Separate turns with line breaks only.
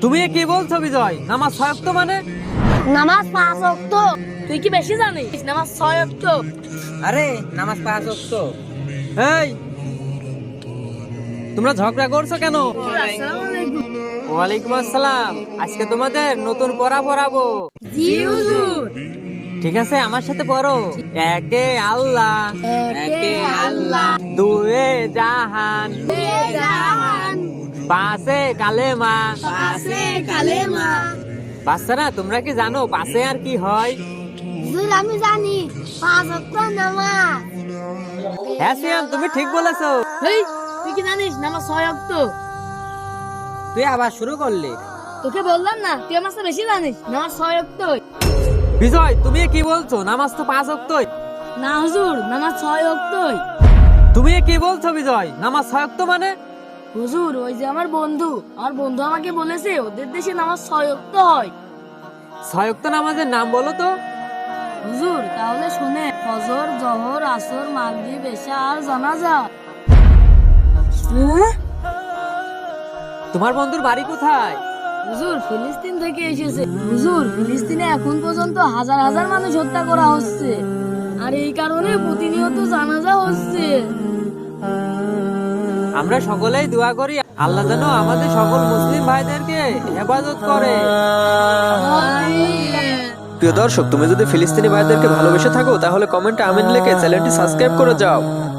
তুমি কি বলছো বিজয়? নামাজ 6 ওয়াক্ত মানে?
নামাজ 5 ওয়াক্ত। তুই কি বেশি জানিস? নামাজ 6 ওয়াক্ত।
আরে নামাজ 5 ওয়াক্ত।
এই তোমরা ঝগড়া করছো কেন?
আসসালামু আলাইকুম।
ওয়ালাইকুম আসসালাম। আজকে তোমাদের নতুন পড়া পড়াবো।
জি হুজুর।
ঠিক আছে, আমার সাথে পড়ো। একে আল্লাহ,
একে আল্লাহ,
দুয়ে জাহান,
দুয়ে জাহান,
পাঁচে কালেমা।
পাঁচে কালেমা।
বাচ্চারা, তোমরা কি জানো পাঁচে আর কি হয়?
হুজুর আমি জানি 5 ওয়াক্ত নামাজ।
হ্যাঁ সিয়াম, তুমি ঠিক বলেছো।
এই তুই কি জানিস নামাজ 6 ওয়াক্ত?
তুই আবার শুরু করলি?
তোকে বললাম না তুই আমার চেয়ে বেশি জানিস। নামাজ 6 ওয়াক্ত।
বিজয়, তুমি কি বলছো? নামাজ তো 5 ওয়াক্ত।
না হুজুর, নামাজ 6 ওয়াক্ত।
তুমি কি বলছো বিজয়? নামাজ 6 ওয়াক্ত মানে?
হুজুর ওই যে আমার বন্ধু আমাকে বলেছে ওদের দেশে নামাজ 6 ওয়াক্ত হয়।
6 ওয়াক্ত নামাজের নাম বলো তো।
হুজুর তাহলে শুনে, ফজর, জোহর, আসর, মাগরিব, এশা আর জানাজা।
তোমার বন্ধুর বাড়ি কোথায়?
হুজুর ফিলিস্তিন থেকে এসেছে। হুজুর ফিলিস্তিনে এখন পর্যন্ত হাজার হাজার মানুষ হত্যা করা হচ্ছে, আর এই কারণে প্রতিনিয়ত জানাজা হচ্ছে।
আমরা সকলেই দোয়া করি আল্লাহ যেন আমাদের সকল মুসলিম ভাইদেরকে হেফাজত করে।
প্রিয় দর্শক, তুমি যদি ফিলিস্তিনি ভাইদেরকে ভালোবেসে থাকো তাহলে কমেন্টে আমিন লিখে চ্যানেলটি সাবস্ক্রাইব করে যাও।